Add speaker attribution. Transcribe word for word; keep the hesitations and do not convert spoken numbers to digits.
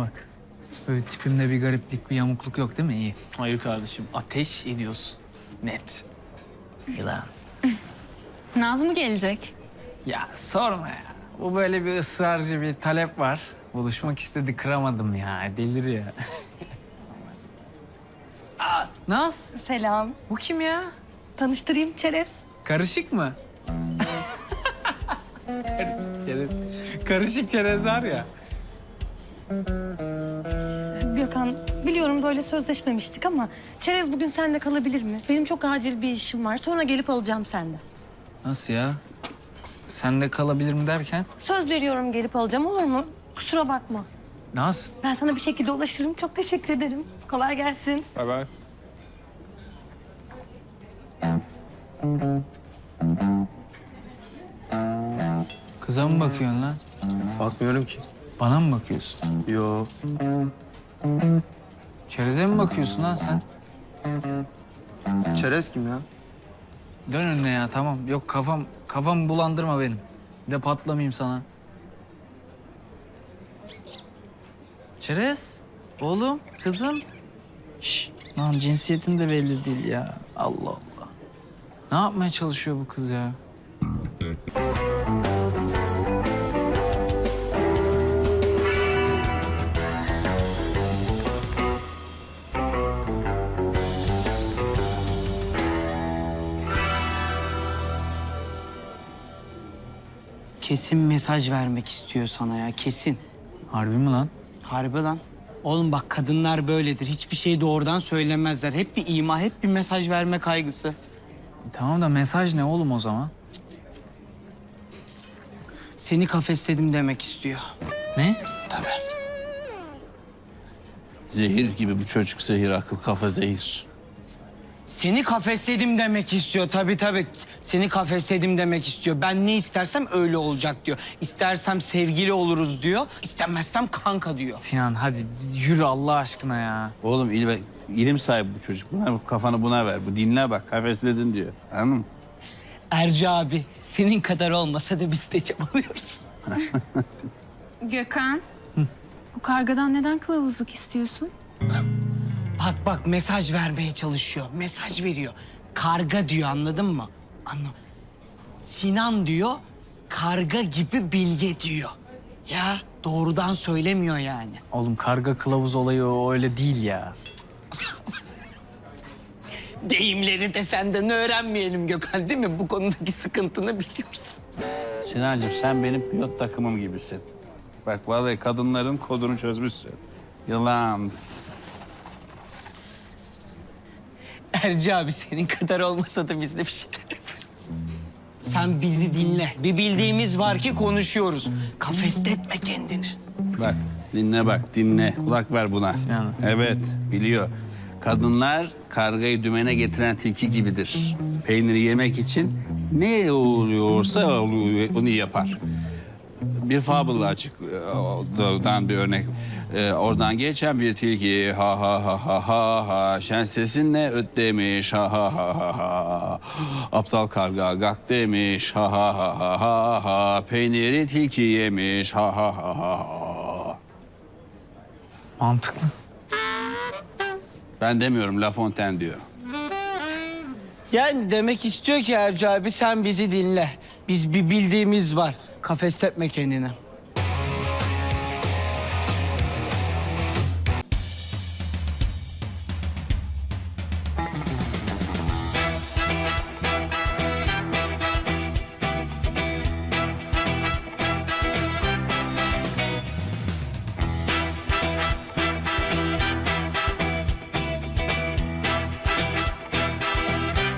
Speaker 1: bak. Böyle tipimde bir gariplik, bir yamukluk yok değil mi? İyi.
Speaker 2: Hayır kardeşim, ateş ediyorsun. Net.
Speaker 1: Yılan.
Speaker 3: Naz mı gelecek?
Speaker 1: Ya sorma ya. Bu böyle bir ısrarcı bir talep var. Buluşmak istedi, kıramadım ya. Deliriyor. Aa, Naz.
Speaker 4: Selam.
Speaker 1: Bu kim ya?
Speaker 4: Tanıştırayım Çerez.
Speaker 1: Karışık mı? Karışık çerez. Karışık çerez var ya.
Speaker 4: Gökhan, biliyorum böyle sözleşmemiştik ama Çerez bugün seninle kalabilir mi? Benim çok acil bir işim var. Sonra gelip alacağım senden.
Speaker 1: Nasıl ya? S- Sen de kalabilir mi derken?
Speaker 4: Söz veriyorum gelip alacağım, olur mu? Kusura bakma.
Speaker 1: Naz.
Speaker 4: Ben sana bir şekilde ulaşırım. Çok teşekkür ederim. Kolay gelsin.
Speaker 1: Bay bay. Kıza mı bakıyorsun lan?
Speaker 5: Bakmıyorum ki.
Speaker 1: Bana mı bakıyorsun?
Speaker 5: Yo.
Speaker 1: Çereze mi bakıyorsun lan sen?
Speaker 5: Çerez kim ya?
Speaker 1: Dön önüne ya, tamam. Yok, kafam kafam bulandırma benim. Bir de patlamayayım sana. Çerez, oğlum, kızım. Şş, lan cinsiyetin de belli değil ya. Allah Allah. Ne yapmaya çalışıyor bu kız ya?
Speaker 6: Kesin mesaj vermek istiyor sana ya, kesin.
Speaker 1: Harbi mi lan?
Speaker 6: Harbi lan. Oğlum bak, kadınlar böyledir. Hiçbir şeyi doğrudan söylemezler. Hep bir ima, hep bir mesaj verme kaygısı.
Speaker 1: Tamam da mesaj ne oğlum o zaman?
Speaker 6: Seni kafesledim demek istiyor.
Speaker 1: Ne?
Speaker 6: Tabii.
Speaker 2: Zehir gibi bu çocuk, zehir, akıl, kafa zehir.
Speaker 6: Seni kafesledim demek istiyor, tabii tabii. Seni kafesledim demek istiyor. Ben ne istersem öyle olacak diyor. İstersem sevgili oluruz diyor. İstemezsem kanka diyor.
Speaker 1: Sinan hadi yürü Allah aşkına ya.
Speaker 2: Oğlum ilim, ilim sahibi bu çocuk. Buna, kafanı buna ver. Bu dinle bak, kafesledin diyor. Anladın mı?
Speaker 6: Erci abi, senin kadar olmasa da biz de çabalıyoruz.
Speaker 3: Gökhan. Bu kargadan neden kılavuzluk istiyorsun?
Speaker 6: Bak bak, mesaj vermeye çalışıyor. Mesaj veriyor. Karga diyor, anladın mı? Anla. Sinan diyor, karga gibi bilge diyor. Ya doğrudan söylemiyor yani.
Speaker 1: Oğlum karga kılavuz olayı o öyle değil ya.
Speaker 6: Deyimleri de senden öğrenmeyelim Gökhan, değil mi? Bu konudaki sıkıntını biliyorsun.
Speaker 2: Sinancığım, sen benim pilot takımım gibisin. Bak vallahi kadınların kodunu çözmüşsün. Yılan.
Speaker 6: Erci abi, senin kadar olmasa da biz de bir şeyler yapıyoruz. Sen bizi dinle. Bir bildiğimiz var ki konuşuyoruz. Kafesletme kendini.
Speaker 2: Bak, dinle bak, dinle. Kulak ver buna.
Speaker 1: Sinan.
Speaker 2: Evet, biliyor. Kadınlar kargayı dümene getiren tilki gibidir. Peyniri yemek için ne oluyorsa onu yapar. Bir fable'la açıktan bir örnek. Ee, oradan geçen bir tilki ha ha ha ha ha ha şen sesinle öt demiş ha ha ha ha ha aptal karga gak demiş ha ha ha ha ha ha peyniri tilki yemiş ha ha ha ha ha.
Speaker 1: Mantıklı.
Speaker 2: Ben demiyorum, La Fontaine diyor.
Speaker 6: Yani demek istiyor ki Erci abi, sen bizi dinle. Biz bir bildiğimiz var. Kafesletme kendini.